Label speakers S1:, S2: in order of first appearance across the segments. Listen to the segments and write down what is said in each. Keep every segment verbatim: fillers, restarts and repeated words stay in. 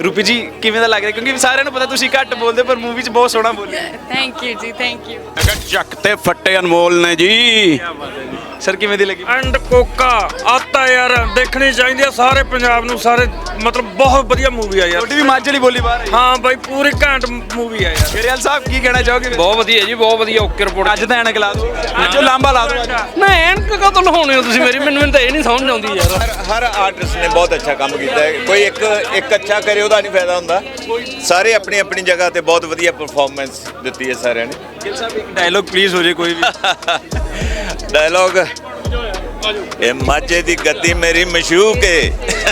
S1: रूपी जी किवें दा लग रहा क्योंकि सारिਆਂ ਨੂੰ ਪਤਾ ਤੁਸੀਂ ਘੱਟ ਬੋਲਦੇ ਪਰ ਮੂਵੀ 'ਚ ਬਹੁਤ ਸੋਹਣਾ ਬੋਲੇ।
S2: थैंक यू जी थैंक यू।
S3: ਮੈਂ ਕਿਹਾ ਚੱਕ ਤੇ ਫੱਟੇ ਅਨਮੋਲ ਨੇ ਜੀ।
S1: ਸਰ ਕਿਵੇਂ ਦੀ ਲੱਗੀ?
S4: ਐਂਡ ਕੋਕਾ ਆਤਾ ਯਾਰ ਦੇਖਣੀ ਚਾਹੀਦੀ ਆ ਸਾਰੇ ਪੰਜਾਬ ਨੂੰ ਸਾਰੇ ਮਤਲਬ ਬਹੁਤ ਵਧੀਆ ਮੂਵੀ ਆ ਯਾਰ।
S1: ਤੁਹਾਡੀ ਵੀ ਮਾਝੇ ਵਾਲੀ ਬੋਲੀ ਬਾਹਰ ਆਈ।
S4: ਹਾਂ ਬਾਈ ਪੂਰੀ ਘੈਂਟ ਮੂਵੀ ਆ ਯਾਰ।
S1: ਗਰੇਵਾਲ ਸਾਹਿਬ ਕੀ ਕਹਿਣਾ ਚਾਹੋਗੇ?
S4: ਬਹੁਤ ਵਧੀਆ ਜੀ ਬਹੁਤ ਵਧੀਆ ਓਕੇ ਰਿਪੋਰਟ।
S1: ਅੱਜ ਤਾਂ ਐਨਕ ਲਾ ਦਿਓ, ਅੱਜ ਲਾਂਬਾ ਲਾ ਦਿਓ। ਅੱਜ
S4: ਨਾ ਐਨਕ ਕਦੋਂ ਲਹਾਉਣੇ ਹੋ ਤੁਸੀਂ ਮੇਰੀ ਮੈਨੂੰ ਮੈਨੂੰ ਤਾਂ ਇਹ ਨਹੀਂ ਸਮਝ ਆਉਂਦੀ ਯਾਰ।
S3: ਹਰ ਹਰ ਆਰਟਿਸਟ ਨੇ ਬਹੁਤ ਅੱਛਾ ਕੰਮ ਕੀਤਾ ਹੈ। ਕੋਈ ਇੱਕ ਇੱਕ ਅੱਛਾ ਕਰੇ ਉਹਦਾ ਨਹੀਂ ਫਾਇਦਾ ਹੁੰਦਾ। ਸਾਰੇ ਆਪਣੀ ਆਪਣੀ ਜਗ੍ਹਾ ਤੇ ਬਹੁਤ ਵਧੀਆ ਪਰਫਾਰਮੈਂਸ ਦਿੱਤੀ ਹੈ ਸਾਰਿਆਂ ਨੇ।
S1: ਗਿੱਲ ਸਾਹਿਬ ਇੱਕ ਡਾਇਲੋਗ ਪਲੀਜ਼ ਹੋ ਜੇ ਕੋਈ ਵੀ।
S3: ਡਾਇਲੌਗ ਇਹ ਮਾਝੇ ਦੀ ਗੱਦੀ ਮੇਰੀ ਮਸ਼ੂਕ ਹੈ।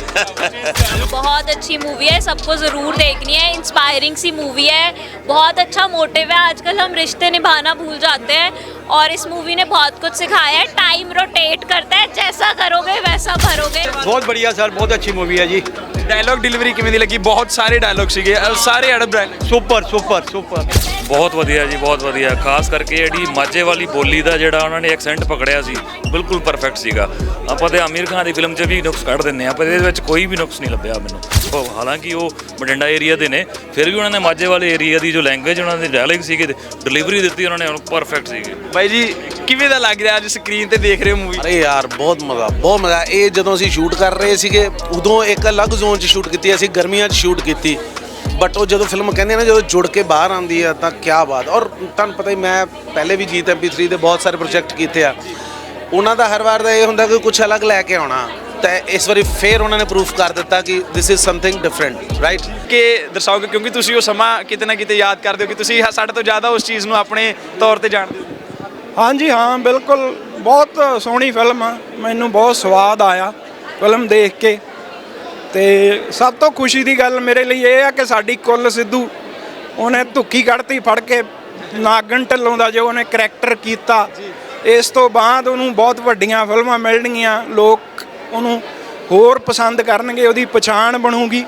S5: बहुत अच्छी मूवी है, सबको ज़रूर देखनी है। इंस्पायरिंग सी मूवी है, बहुत अच्छा मोटिव है। आजकल हम रिश्ते निभाना भूल जाते हैं और इस मूवी ने बहुत कुछ सिखाया है। टाइम रोटेट करता है, जैसा करोगे वैसा भरोगे।
S6: बहुत बढ़िया सर बहुत अच्छी मूवी है जी।
S1: ਡਾਇਲੌਗ ਡਿਲੀਵਰੀ ਕਿਵੇਂ ਦੀ ਲੱਗੀ? ਬਹੁਤ ਸਾਰੇ ਡਾਇਲੌਗ ਸੀਗੇ, ਅਹ ਸਾਰੇ ਅੜਬ ਡਾਇਲੌਗ।
S6: सुपर सुपर सुपर
S4: ਬਹੁਤ ਵਧੀਆ ਜੀ ਬਹੁਤ ਵਧੀਆ। ਖਾਸ ਕਰਕੇ ਜਿਹੜੀ ਮਾਝੇ ਵਾਲੀ ਬੋਲੀ ਦਾ ਜਿਹੜਾ ਉਹਨਾਂ ਨੇ ਐਕਸੈਂਟ ਪਕੜਿਆ ਸੀ ਬਿਲਕੁਲ ਪਰਫੈਕਟ ਸੀਗਾ। ਆਪਾਂ ਤੇ ਆਮੀਰ ਖਾਨ ਦੀ ਫਿਲਮ 'ਚ ਵੀ ਨੁਕਸ ਕੱਢ ਦਿੰਦੇ ਆ ਪਰ ਇਹਦੇ ਵਿੱਚ ਕੋਈ ਵੀ ਨੁਕਸ ਨਹੀਂ ਲੱਭਿਆ ਮੈਨੂੰ। ਉਹ ਹਾਲਾਂਕਿ ਉਹ ਬਠਿੰਡਾ ਏਰੀਆ ਦੇ ਨੇ ਫਿਰ ਵੀ ਉਹਨਾਂ ਨੇ ਮਾਝੇ ਵਾਲੇ ਏਰੀਆ ਦੀ ਜੋ ਲੈਂਗੁਏਜ ਉਹਨਾਂ ਦੇ ਡਾਇਲੌਗ ਸੀਗੇ ਡਿਲੀਵਰੀ ਦਿੱਤੀ ਉਹਨਾਂ ਨੇ ਪਰਫੈਕਟ ਸੀਗੀ।
S1: ਬਾਈ ਜੀ ਕਿਵੇਂ ਦਾ ਲੱਗ ਰਿਹਾ ਅੱਜ ਸਕਰੀਨ ਤੇ ਦੇਖ ਰਹੇ ਹੋ ਮੂਵੀ?
S7: ਅਰੇ ਯਾਰ ਬਹੁਤ ਮਜ਼ਾ ਬਹੁਤ ਮਜ਼ਾ। ਇਹ ਜਦੋਂ ਅਸੀਂ ਸ਼ੂਟ ਕਰ ਰਹੇ ਸੀਗੇ ਉਦੋਂ ਇੱਕ ਅਲੱਗ ਜ਼ੋਨ 'ਚ ਸ਼ੂਟ ਕੀਤੀ, ਅਸੀਂ ਗਰਮੀਆਂ 'ਚ ਸ਼ੂਟ ਕੀਤੀ ਬਟ ਉਹ ਜਦੋਂ ਫਿਲਮ ਕਹਿੰਦੇ ਨਾ ਜਦੋਂ ਜੁੜ ਕੇ ਬਾਹਰ ਆਉਂਦੀ ਆ ਤਾਂ ਕਿਆ ਬਾਤ। ਔਰ ਤੁਹਾਨੂੰ ਪਤਾ ਹੀ ਮੈਂ ਪਹਿਲੇ ਵੀ ਜੀਤ ਐਮ ਪੀ ਥ੍ਰੀ ਦੇ ਬਹੁਤ ਸਾਰੇ ਪ੍ਰੋਜੈਕਟ ਕੀਤੇ ਆ, ਉਹਨਾਂ ਦਾ ਹਰ ਵਾਰ ਦਾ ਇਹ ਹੁੰਦਾ ਕਿ ਕੁਝ ਅਲੱਗ ਲੈ ਕੇ ਆਉਣਾ ਤਾਂ ਇਸ ਵਾਰੀ ਫੇਰ ਉਹਨਾਂ ਨੇ ਪ੍ਰੂਫ ਕਰ ਦਿੱਤਾ ਕਿ this is something different right.
S1: ਕਿ ਦਰਸਾਓਗੇ ਕਿਉਂਕਿ ਤੁਸੀਂ ਉਹ ਸਮਾਂ ਕਿਤੇ ਨਾ ਕਿਤੇ ਯਾਦ ਕਰਦੇ ਹੋ ਕਿ ਤੁਸੀਂ ਸਾਡੇ ਤੋਂ ਜ਼ਿਆਦਾ ਉਸ ਚੀਜ਼ ਨੂੰ ਆਪਣੇ ਤੌਰ ਤੇ ਜਾਣਦੇ ਹੋ।
S8: ਹਾਂਜੀ ਹਾਂ ਬਿਲਕੁਲ ਬਹੁਤ ਸੋਹਣੀ ਫਿਲਮ ਆ, ਮੈਨੂੰ ਬਹੁਤ ਸਵਾਦ ਆਇਆ ਫਿਲਮ ਦੇਖ ਕੇ। ਤੇ ਸਭ ਤੋਂ ਖੁਸ਼ੀ ਦੀ ਗੱਲ ਮੇਰੇ ਲਈ ਇਹ ਆ ਕਿ ਸਾਡੀ ਕੁੱਲ ਸਿੱਧੂ ਉਹਨੇ ਧੁੱਕੀ ਕੱਢਤੀ ਫੜ ਕੇ ਨਾਗਣ ਢਿੱਲੋਂ ਦਾ ਜੋ ਉਹਨੇ ਕਰੈਕਟਰ ਕੀਤਾ। ਇਸ ਤੋਂ ਬਾਅਦ ਉਹਨੂੰ ਬਹੁਤ ਵੱਡੀਆਂ ਫਿਲਮਾਂ ਮਿਲਣਗੀਆਂ, ਲੋਕ ਉਹਨੂੰ ਹੋਰ ਪਸੰਦ ਕਰਨਗੇ, ਉਹਦੀ ਪਛਾਣ ਬਣੂਗੀ।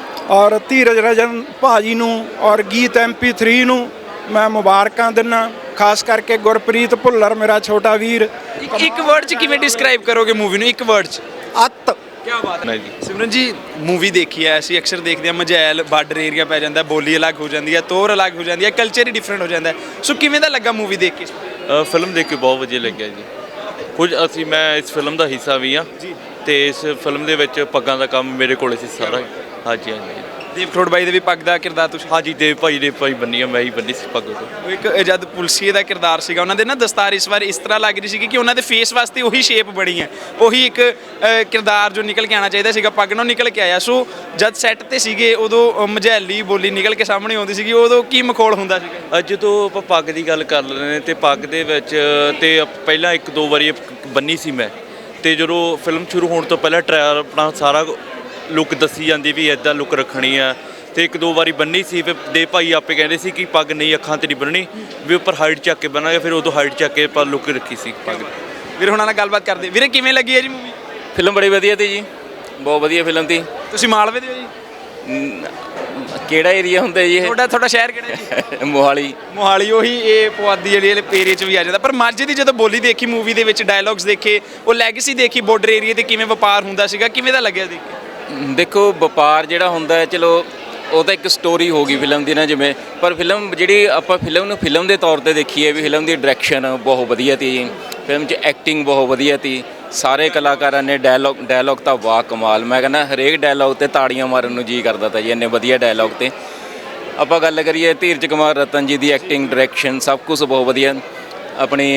S8: ਔਰ ਧੀਰਜ ਰਜਨ ਭਾਜੀ ਨੂੰ ਔਰ ਗੀਤ ਐਮ ਪੀ ਥ੍ਰੀ ਨੂੰ ਮੈਂ ਮੁਬਾਰਕਾਂ ਦਿੰਦਾ, ਖਾਸ ਕਰਕੇ ਗੁਰਪ੍ਰੀਤ ਭੁੱਲਰ ਮੇਰਾ ਛੋਟਾ ਵੀਰ।
S1: ਇੱਕ ਵਰਡ 'ਚ ਕਿਵੇਂ ਡਿਸਕ੍ਰਾਈਬ ਕਰੋਗੇ ਮੂਵੀ ਨੂੰ? ਇੱਕ ਵਰਡ 'ਚ।
S8: ਅੱਤ।
S1: ਕੀ ਬਾਤ ਹੈ ਜੀ। ਸਿਮਰਨ ਜੀ ਮੂਵੀ ਦੇਖੀ ਹੈ ਅਸੀਂ ਅਕਸਰ ਦੇਖਦੇ ਹਾਂ ਮਝੈਲ ਬਾਰਡਰ ਏਰੀਆ ਪੈ ਜਾਂਦਾ, ਬੋਲੀ ਅਲੱਗ ਹੋ ਜਾਂਦੀ ਹੈ, ਤੋਰ ਅਲੱਗ ਹੋ ਜਾਂਦੀ ਹੈ, ਕਲਚਰ ਹੀ ਡਿਫਰੈਂਟ ਹੋ ਜਾਂਦਾ ਹੈ। ਸੋ ਕਿਵੇਂ ਦਾ ਲੱਗਾ ਮੂਵੀ ਦੇਖ ਕੇ?
S9: ਫਿਲਮ ਦੇਖ ਕੇ ਬਹੁਤ ਵਧੀਆ ਲੱਗਿਆ ਜੀ। ਕੁਝ ਅਸੀਂ ਮੈਂ ਇਸ ਫਿਲਮ ਦਾ ਹਿੱਸਾ ਵੀ ਹਾਂ ਤੇ ਇਸ ਫਿਲਮ ਦੇ ਵਿੱਚ ਪੱਗਾਂ ਦਾ ਕੰਮ ਮੇਰੇ ਕੋਲੇ ਸੀ ਸਾਰਾ। ਹਾਂਜੀ ਹਾਂਜੀ।
S1: ਦੇਵ ਖਰੋੜ ਬਾਈ ਦੇ ਵੀ ਪੱਗ ਦਾ ਕਿਰਦਾਰ ਤੁਸੀਂ?
S9: ਹਾਂਜੀ ਦੇਵ ਭਾਈ ਦੇ ਭਾਈ ਬੰਨੀ ਆ, ਮੈਂ ਹੀ ਬੰਨੀ ਸੀ ਪੱਗ।
S1: ਉਹ ਇੱਕ ਜਦ ਪੁਲਸੀਏ ਦਾ ਕਿਰਦਾਰ ਸੀਗਾ ਉਹਨਾਂ ਦੇ ਨਾ ਦਸਤਾਰ ਇਸ ਵਾਰ ਇਸ ਤਰ੍ਹਾਂ ਲੱਗ ਰਹੀ ਸੀ ਕਿ ਉਹਨਾਂ ਦੇ ਫੇਸ ਵਾਸਤੇ ਉਹੀ ਸ਼ੇਪ ਬਣੀ ਹੈ, ਉਹੀ ਇੱਕ ਕਿਰਦਾਰ ਜੋ ਨਿਕਲ ਕੇ ਆਉਣਾ ਚਾਹੀਦਾ ਸੀਗਾ ਪੱਗ ਨਾਲ ਨਿਕਲ ਕੇ ਆਇਆ। ਸੋ ਜਦ ਸੈੱਟ ਤੇ ਸੀਗੇ ਉਦੋਂ ਮਝੈਲੀ ਬੋਲੀ ਨਿਕਲ ਕੇ ਸਾਹਮਣੇ ਆਉਂਦੀ ਸੀਗੀ, ਉਦੋਂ ਕੀ ਮਖੌਲ ਹੁੰਦਾ ਸੀਗਾ?
S9: ਜਦੋਂ ਆਪਾਂ ਪੱਗ ਦੀ ਗੱਲ ਕਰ ਲੈਂਦੇ ਨੇ ਤੇ ਪੱਗ ਦੇ ਵਿੱਚ ਤੇ ਪਹਿਲਾਂ ਇੱਕ ਦੋ ਵਾਰੀ ਬੰਨੀ ਸੀ ਮੈਂ, ਤੇ ਜਦੋਂ ਫਿਲਮ ਸ਼ੁਰੂ ਹੋਣ ਤੋਂ ਪਹਿਲਾਂ ਟ੍ਰਾਇਲ ਆਪਣਾ ਸਾਰਾ ਲੁੱਕ ਦੱਸੀ ਜਾਂਦੀ ਵੀ ਇੱਦਾਂ ਲੁੱਕ ਰੱਖਣੀ ਆ ਤੇ ਇੱਕ ਦੋ ਵਾਰੀ ਬੰਨੀ ਸੀ। ਫਿਰ ਦੇ ਭਾਈ ਆਪੇ ਕਹਿੰਦੇ ਸੀ ਕਿ ਪੱਗ ਨਹੀਂ ਅੱਖਾਂ ਤੇ ਨਹੀਂ ਬੰਨਣੀ ਵੀ ਉੱਪਰ ਹਾਈਟ ਚੱਕ ਕੇ ਬੰਨਾਂਗੇ, ਫਿਰ ਉਦੋਂ ਹਾਈਟ ਚੱਕ ਕੇ ਆਪਾਂ ਲੁੱਕ ਰੱਖੀ ਸੀ ਪੱਗ।
S1: ਵੀਰੇ ਹੁਣਾਂ ਨਾਲ ਗੱਲਬਾਤ ਕਰਦੇ। ਵੀਰੇ ਕਿਵੇਂ ਲੱਗੀ ਹੈ ਜੀ ਮੂਵੀ?
S10: ਫਿਲਮ ਬੜੀ ਵਧੀਆ ਤੀ ਜੀ, ਬਹੁਤ ਵਧੀਆ ਫਿਲਮ ਤੀ।
S1: ਤੁਸੀਂ ਮਾਲਵੇ ਦੇ ਹੋ ਜੀ?
S10: ਕਿਹੜਾ ਏਰੀਆ ਹੁੰਦਾ ਜੀ ਇਹ?
S1: ਤੁਹਾਡਾ ਤੁਹਾਡਾ ਸ਼ਹਿਰ ਕਿਹੜਾ ਜੀ?
S10: ਮੋਹਾਲੀ।
S1: ਮੋਹਾਲੀ ਉਹੀ ਇਹ ਪੁਆਧੀ ਜਿਹੜੀ ਇਹ ਪੇਰੇ 'ਚ ਵੀ ਆ ਜਾਂਦਾ। ਪਰ ਮਾਝੇ ਦੀ ਜਦੋਂ ਬੋਲੀ ਦੇਖੀ ਮੂਵੀ ਦੇ ਵਿੱਚ ਡਾਇਲੌਗਸ ਦੇਖੇ, ਉਹ ਲੈਗੇਸੀ ਦੇਖੀ ਬਾਰਡਰ ਏਰੀਆ ਤੇ ਕਿਵੇਂ ਵਪਾਰ ਹੁੰਦਾ ਸੀਗਾ, ਕਿਵੇਂ ਦਾ ਲੱਗਿਆ ਦੇਖ ਕੇ?
S10: ਦੇਖੋ ਵਪਾਰ ਜਿਹੜਾ ਹੁੰਦਾ ਹੈ ਚਲੋ ਉਹ ਤਾਂ ਇੱਕ ਸਟੋਰੀ ਹੋ ਗਈ ਫਿਲਮ ਦੀ ਨਾ ਜਿਵੇਂ, ਪਰ ਫਿਲਮ ਜਿਹੜੀ ਆਪਾਂ ਫਿਲਮ ਨੂੰ ਫਿਲਮ ਦੇ ਤੌਰ ਤੇ ਦੇਖੀਏ ਵੀ ਫਿਲਮ ਦੀ ਡਾਇਰੈਕਸ਼ਨ ਬਹੁਤ ਵਧੀਆ ਤੀ ਜੀ, ਫਿਲਮ 'ਚ ਐਕਟਿੰਗ ਬਹੁਤ ਵਧੀਆ ਤੀ, ਸਾਰੇ ਕਲਾਕਾਰਾਂ ਨੇ ਡਾਇਲੌਗ ਡਾਇਲੌਗ ਤਾਂ ਵਾਹ ਕਮਾਲ। ਮੈਂ ਕਹਿੰਦਾ ਹਰੇਕ ਡਾਇਲੌਗ 'ਤੇ ਤਾੜੀਆਂ ਮਾਰਨ ਨੂੰ ਜੀ ਕਰਦਾ ਤਾ ਜੀ, ਇੰਨੇ ਵਧੀਆ ਡਾਇਲੌਗ 'ਤੇ। ਆਪਾਂ ਗੱਲ ਕਰੀਏ ਧੀਰਜ ਕੁਮਾਰ ਰਤਨ ਜੀ ਦੀ ਐਕਟਿੰਗ ਡਾਇਰੈਕਸ਼ਨ ਸਭ ਕੁਝ ਬਹੁਤ ਵਧੀਆ। ਆਪਣੀ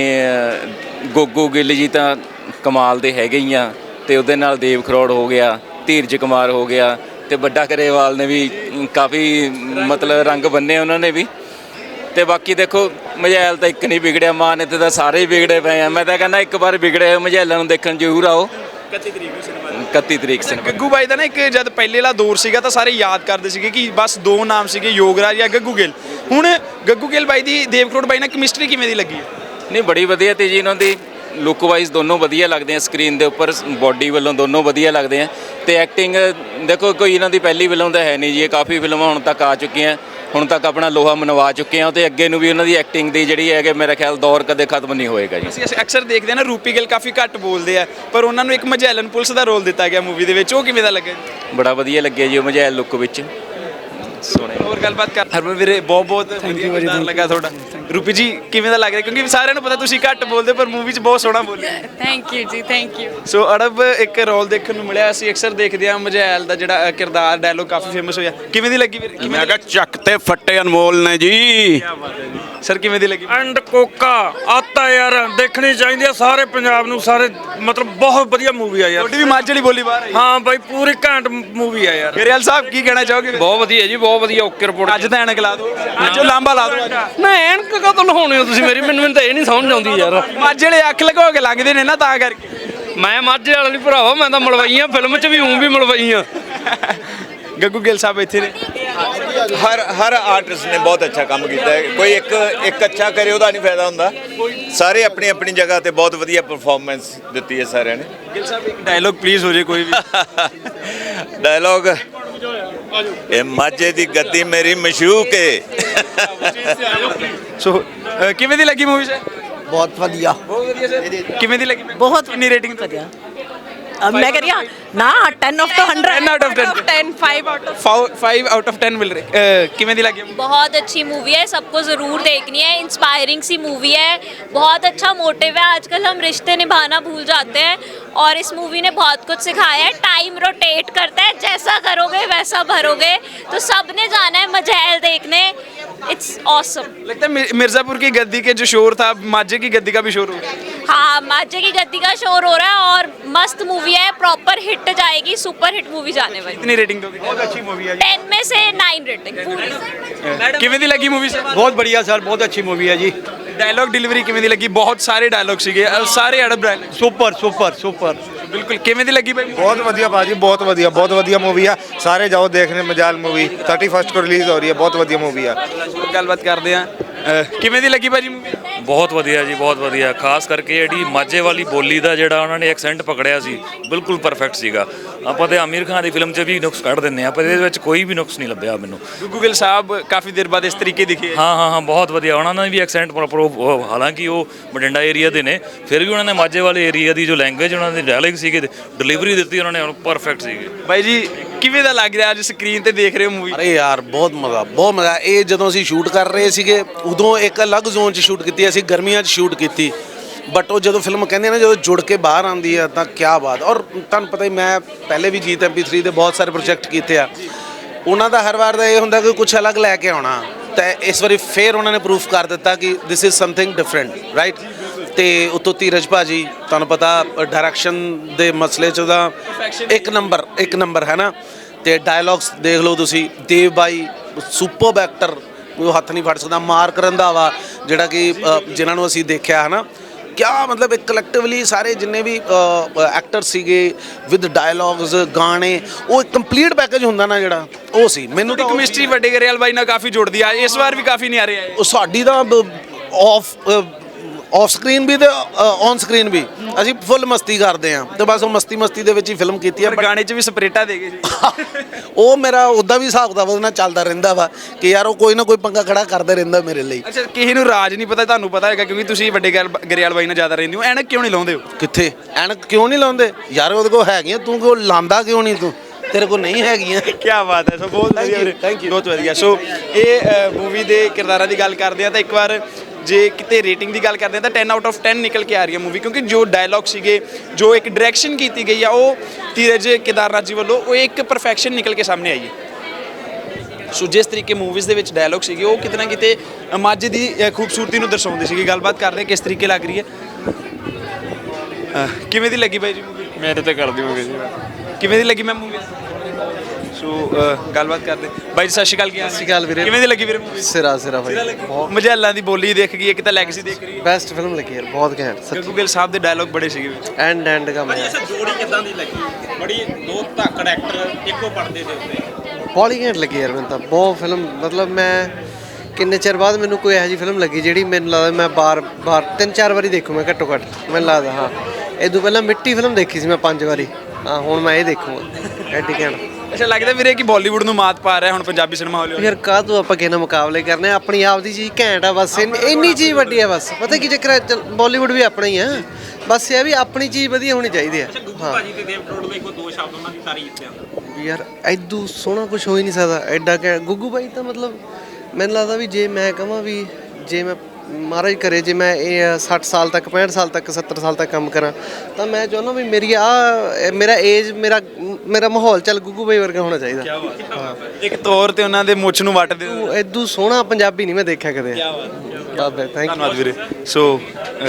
S10: ਗੋਗੋ ਗਿੱਲ ਜੀ ਤਾਂ ਕਮਾਲ ਦੇ ਹੈਗੇ ਹੀ ਆ, ਅਤੇ ਉਹਦੇ ਨਾਲ ਦੇਵ ਖਰੋੜ ਹੋ ਗਿਆ, ਧੀਰਜ ਕੁਮਾਰ ਹੋ ਗਿਆ, ਅਤੇ ਵੱਡਾ ਗਰੇਵਾਲ ਨੇ ਵੀ ਕਾਫੀ ਮਤਲਬ ਰੰਗ ਬੰਨੇ ਉਹਨਾਂ ਨੇ ਵੀ। ਅਤੇ ਬਾਕੀ ਦੇਖੋ ਮਝੈਲ ਤਾਂ ਇੱਕ ਨਹੀਂ ਵਿਗੜਿਆ, ਮਾਨ ਇੱਥੇ ਤਾਂ ਸਾਰੇ ਹੀ ਵਿਗੜੇ ਪਏ ਆ। ਮੈਂ ਤਾਂ ਕਹਿੰਦਾ ਇੱਕ ਵਾਰ ਵਿਗੜੇ ਹੋਏ ਮਝੈਲਾਂ ਨੂੰ ਦੇਖਣ ਜ਼ਰੂਰ ਆਓ।
S1: ਇਕੱਤੀ ਤਰੀਕ ਨੂੰ ਸਿਨੇਮਾ
S10: ਇਕੱਤੀ ਤਰੀਕ ਸਿਨੇਮਾ।
S1: ਗੱਗੂ ਬਾਈ ਦਾ ਨਾ ਇੱਕ ਜਦ ਪਹਿਲੇ ਵਾਲਾ ਦੌਰ ਸੀਗਾ ਤਾਂ ਸਾਰੇ ਯਾਦ ਕਰਦੇ ਸੀਗੇ ਕਿ ਬਸ ਦੋ ਨਾਮ ਸੀਗੇ, ਯੋਗਰਾਜ ਜਾਂ ਗੱਗੂ ਗਿੱਲ। ਹੁਣ ਗੱਗੂ ਗਿੱਲ ਬਾਈ ਦੀ ਦੇਵ ਖਰੋੜ ਬਾਈ ਨਾਲ ਕੈਮਿਸਟਰੀ ਕਿਵੇਂ ਦੀ ਲੱਗੀ ਹੈ?
S10: ਨਹੀਂ ਬੜੀ ਵਧੀਆ ਤੇ ਜੀ, ਇਹਨਾਂ ਦੀ ਲੁੱਕ ਵਾਈਜ਼ ਦੋਨੋਂ ਵਧੀਆ ਲੱਗਦੇ ਆ, ਸਕਰੀਨ ਦੇ ਉੱਪਰ ਬੋਡੀ ਵੱਲੋਂ ਦੋਨੋਂ ਵਧੀਆ ਲੱਗਦੇ ਆ। ਅਤੇ ਐਕਟਿੰਗ ਦੇਖੋ ਕੋਈ ਇਹਨਾਂ ਦੀ ਪਹਿਲੀ ਫਿਲਮ ਤਾਂ ਹੈ ਨਹੀਂ ਜੀ, ਇਹ ਕਾਫੀ ਫਿਲਮਾਂ ਹੁਣ ਤੱਕ ਆ ਚੁੱਕੀਆਂ, ਹੁਣ ਤੱਕ ਆਪਣਾ ਲੋਹਾ ਮਨਵਾ ਚੁੱਕੇ ਆ, ਅਤੇ ਅੱਗੇ ਨੂੰ ਵੀ ਉਹਨਾਂ ਦੀ ਐਕਟਿੰਗ ਦੀ ਜਿਹੜੀ ਹੈਗੇ ਮੇਰਾ ਖਿਆਲ ਦੌਰ ਕਦੇ ਖਤਮ ਨਹੀਂ ਹੋਏਗਾ ਜੀ।
S1: ਅਸੀਂ ਅਕਸਰ ਦੇਖਦੇ ਹਾਂ ਨਾ ਰੂਪੀ ਗਿੱਲ ਕਾਫੀ ਘੱਟ ਬੋਲਦੇ ਆ, ਪਰ ਉਹਨਾਂ ਨੂੰ ਇੱਕ ਮਝੈਲਨ ਪੁਲਿਸ ਦਾ ਰੋਲ ਦਿੱਤਾ ਗਿਆ ਮੂਵੀ ਦੇ ਵਿੱਚ, ਉਹ ਕਿਵੇਂ ਦਾ ਲੱਗਿਆ?
S10: ਬੜਾ ਵਧੀਆ ਲੱਗਿਆ ਜੀ ਉਹ ਮਝੈਲ ਲੁੱਕ ਵਿੱਚ।
S1: ਸੋਹਣੇ ਹੋਰ ਗੱਲਬਾਤ ਕਰ ਹਰਮਨ ਵੀਰੇ ਬਹੁਤ ਬਹੁਤ ਥੈਂਕ ਯੂ ਵਧੀਆ ਲੱਗਾ ਤੁਹਾਡਾ ਰੂਪੀ ਜੀ ਕਿਵੇਂ ਦਾ ਲੱਗ ਰਿਹਾ ਕਿਉਂਕਿ ਸਾਰਿਆਂ ਨੂੰ ਪਤਾ ਤੁਸੀਂ ਘੱਟ ਬੋਲਦੇ ਪਰ ਮੂਵੀ 'ਚ ਬਹੁਤ ਸੋਹਣਾ ਬੋਲੇ
S2: ਥੈਂਕ ਯੂ ਜੀ ਥੈਂਕ ਯੂ
S1: ਸੋ ਅੜਬ ਇੱਕ ਰੋਲ ਦੇਖਣ ਨੂੰ ਮਿਲਿਆ ਅਸੀਂ ਅਕਸਰ ਦੇਖਦੇ ਹਾਂ ਮਜੈਲ ਦਾ ਜਿਹੜਾ ਕਿਰਦਾਰ ਡਾਇਲੋਗ ਕਾਫੀ ਫੇਮਸ ਹੋਇਆ ਕਿਵੇਂ ਦੀ ਲੱਗੀ ਵੀਰੇ ਕਿਵੇਂ
S6: ਮੈਂ ਕਿਹਾ ਚੱਕ ਤੇ ਫੱਟੇ ਅਨਮੋਲ ਨੇ ਜੀ
S1: ਸਰ ਕਿਵੇਂ ਦੀ ਲੱਗੀ
S11: ਐਂਡ ਕੋਕਾ ਆਤਾ ਯਾਰ ਦੇਖਣੀ ਚਾਹੀਦੀ ਆ ਸਾਰੇ ਪੰਜਾਬ ਨੂੰ ਸਾਰੇ ਮਤਲਬ ਬਹੁਤ ਵਧੀਆ ਮੂਵੀ ਆ ਯਾਰ
S1: ਤੁਹਾਡੀ ਵੀ ਮਾਝ ਵਾਲੀ ਬੋਲੀ ਬਾਹਰ ਆਈ
S11: ਹਾਂ ਬਾਈ ਪੂਰੀ ਘੈਂਟ ਮੂਵੀ ਆ ਯਾਰ
S1: ਗਰੇਵਾਲ ਸਾਹਿਬ ਕੀ ਕਹਿਣਾ ਚਾਹੋਗੇ
S11: ਬਹੁਤ ਵਧੀਆ ਜੀ ਬਹੁਤ ਵਧੀਆ ਓਕੇ ਰਿਪੋਰਟ
S1: ਅੱਜ ਤਾਂ ਐਨਕ ਲਾ ਦਿਓ ਅੱਜ ਉਹ ਲਾਂਬਾ ਲਾ ਦਿਓ ਅੱਜ
S11: ਨਾ ਐਨਕ ਕਦੋਂ ਲਹਾਉਣੇ ਹੋ ਤੁਸੀਂ ਮੇਰੀ ਮੈਨੂੰ ਮੈਨੂੰ ਤਾਂ ਇਹ ਨਹੀਂ ਸਮਝ ਆਉਂਦੀ ਯਾਰ
S1: ਮਾਝ ਵਾਲੇ ਅੱਖ ਲਗੋ ਕੇ ਲੰਘਦੇ ਨੇ ਨਾ ਤਾਂ ਕਰਕੇ
S11: ਮੈਂ ਮਾਝੇ ਵਾਲਾ ਨਹੀਂ ਭਰਾਵਾ ਮੈਂ ਤਾਂ ਮਲਵਈ ਆ ਫਿਲਮ 'ਚ ਵੀ ਹੂੰ ਵੀ ਮਲਵਈ ਆ
S1: ਗੱਗੂ ਗਿੱਲ ਸਾਹਿਬ ਇੱਥੇ ਨੇ
S3: ਹਰ ਹਰ ਆਰਟਿਸਟ ਨੇ ਬਹੁਤ ਅੱਛਾ ਕੰਮ ਕੀਤਾ ਹੈ ਕੋਈ ਇੱਕ ਇੱਕ ਅੱਛਾ ਕਰੇ ਉਹਦਾ ਨਹੀਂ ਫਾਇਦਾ ਹੁੰਦਾ ਸਾਰੇ ਆਪਣੀ ਆਪਣੀ ਜਗ੍ਹਾ ਤੇ ਬਹੁਤ ਵਧੀਆ ਪਰਫਾਰਮੈਂਸ ਦਿੱਤੀ ਹੈ ਸਾਰਿਆਂ ਨੇ
S1: ਗਿੱਲ ਸਾਹਿਬ ਇੱਕ ਡਾਇਲੋਗ ਪਲੀਜ਼ ਹੋ ਜੇ ਕੋਈ ਵੀ
S3: ਡਾਇਲੌਗ ਇਹ ਮਾਝੇ ਦੀ ਗੱਦੀ ਮੇਰੀ ਮਸ਼ੂਕ ਏ
S1: ਸੋ ਅ, ਕਿਵੇਂ ਦੀ ਲੱਗੀ ਮੂਵੀ ਸਰ
S6: ਬਹੁਤ ਵਧੀਆ
S1: ਬਹੁਤ ਵਧੀਆ ਸਰ ਕਿਵੇਂ ਦੀ ਲੱਗੀ
S2: ਬਹੁਤ
S1: ਕਿੰਨੀ ਰੇਟਿੰਗ
S2: ਵਧੀਆ अब मैं कह रही हूँ ना टेन ऑफ तो hundred
S1: ten out of ten.
S2: Ten five out of
S1: five out of ten मिल रहे अ, किਵੇਂ ਦੀ ਲੱਗੀ
S5: बहुत अच्छी मूवी है सबको ज़रूर देखनी है इंस्पायरिंग सी मूवी है बहुत अच्छा मोटिव है आजकल हम रिश्ते निभाना भूल जाते हैं और इस मूवी ने बहुत कुछ सिखाया है टाइम रोटेट करता है जैसा करोगे वैसा भरोगे तो सबने जाना है मजहल देखने इट्स ऑसम
S1: लगता है मिर- मिर्जापुर की गद्दी के जो शोर था माझे की गद्दी का भी शोर हो गया
S5: हाँ माझे की गद्दी का शोर हो रहा है और मस्त मूवी है प्रॉपर हिट जाएगी सुपर हिट मूवी जाने वाली
S1: कितनी रेटिंग दोगे बहुत अच्छी मूवी है
S5: टेन में से नाइन रेटिंग पूरी
S1: ਕਿਵੇਂ ਦੀ ਲੱਗੀ मूवी से
S6: ਬਹੁਤ बढ़िया सर बहुत अच्छी मूवी है जी
S1: डायलॉग डिलीवरी किਵੇਂ ਦੀ ਲੱਗੀ ਬਹੁਤ ਸਾਰੇ ਡਾਇਲੌਗ ਸੀਗੇ ਅ, ਸਾਰੇ ਅੜਬ ਡਾਇਲੌਗ
S6: सुपर सुपर सुपर
S1: ਬਿਲਕੁਲ ਕਿਵੇਂ ਦੀ ਲੱਗੀ ਭਾਈ
S12: बहुत बढ़िया भाजी बहुत बढ़िया बहुत बढ़िया मूवी है सारे जाओ देखने मजाल मूवी थर्टी फर्स्ट को रिलीज हो रही है बहुत बढ़िया मूवी है
S1: ਗੱਲਬਾਤ ਕਰਦੇ ਆ ਕਿਵੇਂ ਦੀ ਲੱਗੀ ਭਾਜੀ ਮੂਵੀ
S4: ਬਹੁਤ ਵਧੀਆ ਜੀ ਬਹੁਤ ਵਧੀਆ ਖਾਸ ਕਰਕੇ ਜਿਹੜੀ ਮਾਝੇ ਵਾਲੀ ਬੋਲੀ ਦਾ ਜਿਹੜਾ ਉਹਨਾਂ ਨੇ ਐਕਸੈਂਟ ਪਕੜਿਆ ਸੀ ਬਿਲਕੁਲ ਪਰਫੈਕਟ ਸੀਗਾ ਆਪਾਂ ਤੇ ਆਮਿਰ ਖਾਨ ਦੀ ਫਿਲਮ 'ਚ ਵੀ ਨੁਕਸ ਕੱਢ ਦਿੰਨੇ ਆ ਪਰ ਇਹਦੇ ਵਿੱਚ ਕੋਈ ਵੀ ਨੁਕਸ ਨਹੀਂ ਲੱਭਿਆ ਮੈਨੂੰ
S1: ਗੁੱਗੂ ਗਿੱਲ ਸਾਹਿਬ ਕਾਫੀ ਦੇਰ ਬਾਅਦ ਇਸ ਤਰੀਕੇ ਦਿਖੇ
S4: ਹਾਂ ਹਾਂ ਹਾਂ ਬਹੁਤ ਵਧੀਆ ਉਹਨਾਂ ਨੇ ਵੀ ਐਕਸੈਂਟ ਪ੍ਰੋਪਰ ਹਾਲਾਂਕਿ ਉਹ ਬਠਿੰਡਾ ਏਰੀਆ ਦੇ ਨੇ ਫਿਰ ਵੀ ਉਹਨਾਂ ਨੇ ਮਾਝੇ ਵਾਲੇ ਏਰੀਆ ਦੀ ਜੋ ਲੈਂਗੁਏਜ ਉਹਨਾਂ ਦੇ ਡਾਇਲੌਗ ਸੀਗੇ ਡਿਲੀਵਰੀ ਦਿੱਤੀ ਉਹਨਾਂ ਨੇ ਪਰਫੈਕਟ ਸੀਗੇ
S1: ਬਾਈ ਜੀ ਕਿਵੇਂ ਦਾ ਲੱਗ ਰਿਹਾ ਅੱਜ ਸਕਰੀਨ ਤੇ ਦੇਖ ਰਹੇ ਹੋ ਮੂਵੀ
S7: ਅਰੇ ਯਾਰ ਬਹੁਤ ਮਜ਼ਾ ਬਹੁਤ ਮਜ਼ਾ ਇਹ ਜਦੋਂ ਅਸੀਂ ਸ਼ੂਟ ਕਰ ਰਹੇ ਸੀਗੇ ਉਦੋਂ ਇੱਕ ਅਲੱਗ ਜ਼ੋਨ 'ਚ ਸ਼ੂਟ ਕੀਤੀ ਅਸੀਂ ਗਰਮੀਆਂ 'ਚ ਸ਼ੂਟ ਕੀਤੀ ਬਟ ਉਹ ਜਦੋਂ ਫਿਲਮ ਕਹਿੰਦੇ ਨਾ ਜਦੋਂ ਜੁੜ ਕੇ ਬਾਹਰ ਆਉਂਦੀ ਆ ਤਾਂ ਕੀ ਬਾਤ ਔਰ ਤੁਹਾਨੂੰ ਪਤਾ ਹੀ ਮੈਂ ਪਹਿਲੇ ਵੀ ਗੀਤ ਐਮ ਪੀ ਥ੍ਰੀ ਦੇ ਬਹੁਤ ਸਾਰੇ ਪ੍ਰੋਜੈਕਟ ਕੀਤੇ ਆ ਉਹਨਾਂ ਦਾ ਹਰ ਵਾਰ ਦਾ ਇਹ ਹੁੰਦਾ ਕਿ ਕੁਝ ਅਲੱਗ ਲੈ ਕੇ ਆਉਣਾ ਤਾਂ ਇਸ ਵਾਰੀ ਫੇਰ ਉਹਨਾਂ ਨੇ ਪ੍ਰੂਫ ਕਰ ਦਿੱਤਾ ਕਿ this is something different right ਤੇ ਉਤੋਂ ਧੀਰਜ ਭਾਜੀ ਤੁਹਾਨੂੰ ਪਤਾ ਡਾਇਰੈਕਸ਼ਨ ਦੇ ਮਸਲੇ 'ਚ ਉਹਦਾ ਇੱਕ ਨੰਬਰ ਇੱਕ ਨੰਬਰ ਹੈ ਨਾ ਤੇ ਡਾਇਲੌਗਸ ਦੇਖ ਲਓ ਤੁਸੀਂ ਦੇਵ ਬਾਈ ਸੁਪਰਬ ਐਕਟਰ ਉਹ ਹੱਥ ਨਹੀਂ ਫੜ ਸਕਦਾ ਮਾਰਕ ਰੰਧਾਵਾ ਜਿਹੜਾ ਕਿ ਅ, ਜਿਨ੍ਹਾਂ ਨੂੰ ਅਸੀਂ ਦੇਖਿਆ ਹੈ ਨਾ ਕਿਆ ਮਤਲਬ ਇੱਕ ਕਲੈਕਟਿਵਲੀ ਸਾਰੇ ਜਿੰਨੇ ਵੀ ਐਕਟਰ ਸੀਗੇ ਵਿਦ ਡਾਇਲੌਗਸ ਗਾਣੇ ਉਹ ਇੱਕ ਕੰਪਲੀਟ ਪੈਕੇਜ ਹੁੰਦਾ ਨਾ ਜਿਹੜਾ ਉਹ ਸੀ ਮੈਨੂੰ ਤਾਂ ਉਹ-
S1: ਕੈਮਿਸਟਰੀ ਵੱਡੇ ਗਰੇਵਾਲ ਬਾਈ ਨਾਲ ਕਾਫੀ ਜੁੜਦੀ ਆ ਇਸ ਵਾਰ ਵੀ ਕਾਫੀ ਨਿਆਰੇ ਆਏ
S7: ਉਹ ਸਾਡੀ ਤਾਂ ਆਫ ਆਫ ਸਕਰੀਨ ਵੀ ਤੇ ਔਨ ਸਕਰੀਨ ਵੀ ਅਸੀਂ ਫੁੱਲ ਮਸਤੀ ਕਰਦੇ ਆ ਤੇ ਬਸ ਉਹ ਮਸਤੀ ਮਸਤੀ ਦੇ ਵਿੱਚ ਹੀ ਫਿਲਮ ਕੀਤੀ ਆ
S1: ਪਰ ਗਾਣੇ 'ਚ ਵੀ ਸਪਰੇਟਾ ਦੇ ਗਏ ਸੀ
S7: ਉਹ ਮੇਰਾ ਉਦਾਂ ਵੀ ਹਿਸਾਬ ਦਾ ਉਹਦੇ ਨਾਲ ਚੱਲਦਾ ਰਹਿੰਦਾ ਵਾ ਕਿ ਯਾਰ ਉਹ ਕੋਈ ਨਾ ਕੋਈ ਪੰਗਾ ਖੜਾ ਕਰਦਾ ਰਹਿੰਦਾ ਮੇਰੇ ਲਈ
S1: ਅੱਛਾ ਕਿਸੇ ਨੂੰ ਰਾਜ ਨਹੀਂ ਪਤਾ ਤੁਹਾਨੂੰ ਪਤਾ ਹੈਗਾ ਕਿਉਂਕਿ ਤੁਸੀਂ ਵੱਡੇ ਗਰੇਵਾਲ ਗਰੇਵਾਲ ਬਾਈ ਨਾਲ ਜ਼ਿਆਦਾ ਰਹਿੰਦੇ ਹੋ ਐਨਕ ਕਿਉਂ ਨਹੀਂ ਲਾਉਂਦੇ ਹੋ
S7: ਕਿੱਥੇ ਐਨਕ ਕਿਉਂ ਨਹੀਂ ਲਾਉਂਦੇ ਯਾਰ ਉਹਦੇ ਕੋਲ ਹੈਗੀਆਂ ਤੂੰ ਕਿਉਂ ਲਾਂਦਾ ਕਿਉਂ ਨਹੀਂ ਤੂੰ ਤੇਰੇ ਕੋਲ ਨਹੀਂ ਹੈਗੀਆਂ
S1: ਕੀ ਬਾਤ ਹੈ ਸੋ ਬਹੁਤ ਵਧੀਆ ਵੀਰੇ
S7: thank you.
S1: ਬਹੁਤ ਵਧੀਆ ਸੋ ਇਹ ਮੂਵੀ ਦੇ ਕਿਰਦਾਰਾਂ ਦੀ ਗੱਲ ਕਰਦੇ ਆ ਤਾਂ ਇੱਕ ਵਾਰ ਜੇ ਕਿਤੇ ਰੇਟਿੰਗ ਦੀ ਗੱਲ ਕਰਦੇ ਆ ਤਾਂ ਟੈਨ ਆਊਟ ਆਫ ਟੈਨ ਨਿਕਲ ਕੇ ਆ ਰਹੀ ਹੈ ਮੂਵੀ ਕਿਉਂਕਿ ਜੋ ਡਾਇਲੌਗ ਸੀਗੇ ਜੋ ਇੱਕ ਡਾਇਰੈਕਸ਼ਨ ਕੀਤੀ ਗਈ ਆ ਉਹ ਧੀਰਜ ਕੇਦਾਰਨਾਥ ਜੀ ਵੱਲੋਂ ਉਹ ਇੱਕ ਪਰਫੈਕਸ਼ਨ ਨਿਕਲ ਕੇ ਸਾਹਮਣੇ ਆਈ ਹੈ ਸੋ ਜਿਸ ਤਰੀਕੇ ਮੂਵੀਜ਼ ਦੇ ਵਿੱਚ ਡਾਇਲੌਗ ਸੀਗੇ ਉਹ ਕਿਤੇ ਨਾ ਕਿਤੇ ਮਾਝੇ ਦੀ ਅ, ਖੂਬਸੂਰਤੀ ਨੂੰ ਦਰਸਾਉਂਦੇ ਸੀਗੇ ਗੱਲਬਾਤ ਕਰਦੇ ਕਿਸ ਤਰੀਕੇ ਲੱਗ ਰਹੀ ਹੈ ਅ, ਕਿਵੇਂ ਦੀ ਲੱਗੀ ਬਾਈ ਜੀ ਮੂਵੀ
S11: ਮੇਰੇ ਤੇ ਕਰ ਦਿਓਗੇ ਜੀ
S1: ਕਿਵੇਂ ਦੀ ਲੱਗੀ ਮੈਂ ਮੂਵੀ ਸੋ ਅ, ਗੱਲਬਾਤ ਕਰਦੇ ਬਾਈ ਜੀ ਸਤਿ ਸ਼੍ਰੀ ਅਕਾਲ ਕੀ ਹਾਲ
S6: ਸਤਿ ਸ਼੍ਰੀ ਅਕਾਲ ਵੀਰੇ।
S1: ਕਿਵੇਂ ਦੀ ਲੱਗੀ ਵੀਰੇ ਮੂਵੀ
S6: ਸਿਰਾ ਸਿਰਾ ਭਾਈ
S1: ਮਜੈਲਾਂ ਦੀ ਬੋਲੀ ਦੇਖ ਗਈ ਇੱਕ ਤਾਂ ਲੈਗਸੀ ਦੇਖ ਰਹੀ ਹੈ
S6: बेस्ट फिल्म लगी यार बहुत घैंट सच
S1: ਗੱਗੂ ਗਿੱਲ ਸਾਹਿਬ ਦੇ ਡਾਇਲੌਗ ਬੜੇ ਸੀਗੇ ਵਿੱਚ
S6: एंड एंड का मैं ਬੜੀ ਘੈਂਟ ਲੱਗੀ ਯਾਰ ਮੈਨੂੰ ਤਾਂ ਬਹੁਤ ਫਿਲਮ ਮਤਲਬ ਮੈਂ ਕਿੰਨੇ ਚਿਰ ਬਾਅਦ ਮੈਨੂੰ ਕੋਈ ਇਹੋ ਜਿਹੀ ਫਿਲਮ ਲੱਗੀ ਜਿਹੜੀ ਮੈਨੂੰ ਲੱਗਦਾ ਮੈਂ ਬਾਰ ਬਾਰ ਤਿੰਨ ਚਾਰ ਵਾਰੀ ਦੇਖੂ ਮੈਂ ਘੱਟੋ ਘੱਟ ਮੈਨੂੰ ਲੱਗਦਾ ਹਾਂ ਇਹ ਤੋਂ ਪਹਿਲਾਂ ਮਿੱਟੀ ਫਿਲਮ ਦੇਖੀ ਸੀ ਮੈਂ ਪੰਜ ਵਾਰੀ ਹਾਂ ਹੁਣ ਮੈਂ ਇਹ ਦੇਖੂੰਗਾ ਐਡੀ ਘੈਂਟ
S1: ਅੱਛਾ ਲੱਗਦਾ ਵੀਰੇ ਕਿ ਬਾਲੀਵੁੱਡ ਨੂੰ ਮਾਤ ਪਾ ਰਿਹਾ ਹੁਣ ਪੰਜਾਬੀ ਸਿਨੇਮਾ ਹੌਲੀ ਹੌਲੀ
S6: ਯਾਰ ਕਾਹ ਤੋਂ ਆਪਾਂ ਕਿਸੇ ਨਾਲ ਮੁਕਾਬਲੇ ਕਰਨੇ ਆ, ਆਪਣੀ ਆਪ ਦੀ ਚੀਜ਼ ਘੈਂਟ ਆ ਬਸ ਇੰਨੀ ਇੰਨੀ ਚੀਜ਼ ਵੱਡੀ ਆ ਬਸ ਪਤਾ ਕੀ ਚੱਕਰ ਹੈ ਬਾਲੀਵੁੱਡ ਵੀ ਆਪਣਾ ਹੀ ਆ ਬਸ ਇਹ ਵੀ ਆਪਣੀ ਚੀਜ਼ ਵਧੀਆ ਹੋਣੀ ਚਾਹੀਦੀ ਆ ਹਾਂ ਯਾਰ ਐਦੂ ਸੋਹਣਾ ਕੁਝ ਹੋ ਹੀ ਨਹੀਂ ਸਕਦਾ ਐਡਾ ਕਿ ਗੁੱਗੂ ਬਾਈ ਤਾਂ ਮਤਲਬ ਮੈਨੂੰ ਲੱਗਦਾ ਵੀ ਜੇ ਮੈਂ ਕਹਾਂ ਵੀ ਜੇ ਮੈਂ ਮਹਾਰਾਜ ਕਰੇ ਜੇ ਮੈਂ ਇਹ ਸੱਠ ਸਾਲ ਤੱਕ ਪੈਂਹਠ ਸਾਲ ਤੱਕ ਸੱਤਰ ਸਾਲ ਤੱਕ ਕੰਮ ਕਰਾਂ ਤਾਂ ਮੈਂ ਚਾਹੁੰਦਾ ਵੀ ਮੇਰੀ ਆ ਮੇਰਾ ਏਜ ਮੇਰਾ ਮੇਰਾ ਮਾਹੌਲ ਚੱਲ ਗੁੱਗੂ ਬਾਈ ਵਰਗਾ ਹੋਣਾ ਚਾਹੀਦਾ।
S1: ਕੀ ਬਾਤ ਹੈ। ਇੱਕ ਤੌਰ ਤੇ ਉਹਨਾਂ ਦੇ ਮੁੱਛ ਨੂੰ ਵੱਟ ਦਿਓ।
S6: ਐਦੂ ਸੋਹਣਾ ਪੰਜਾਬੀ ਨਹੀਂ ਮੈਂ ਦੇਖਿਆ ਕਦੇ।
S1: ਕੀ ਬਾਤ ਹੈ।
S6: ਬਾਬੇ ਥੈਂਕ ਯੂ।
S1: ਧੰਨਵਾਦ ਵੀਰੇ। ਸੋ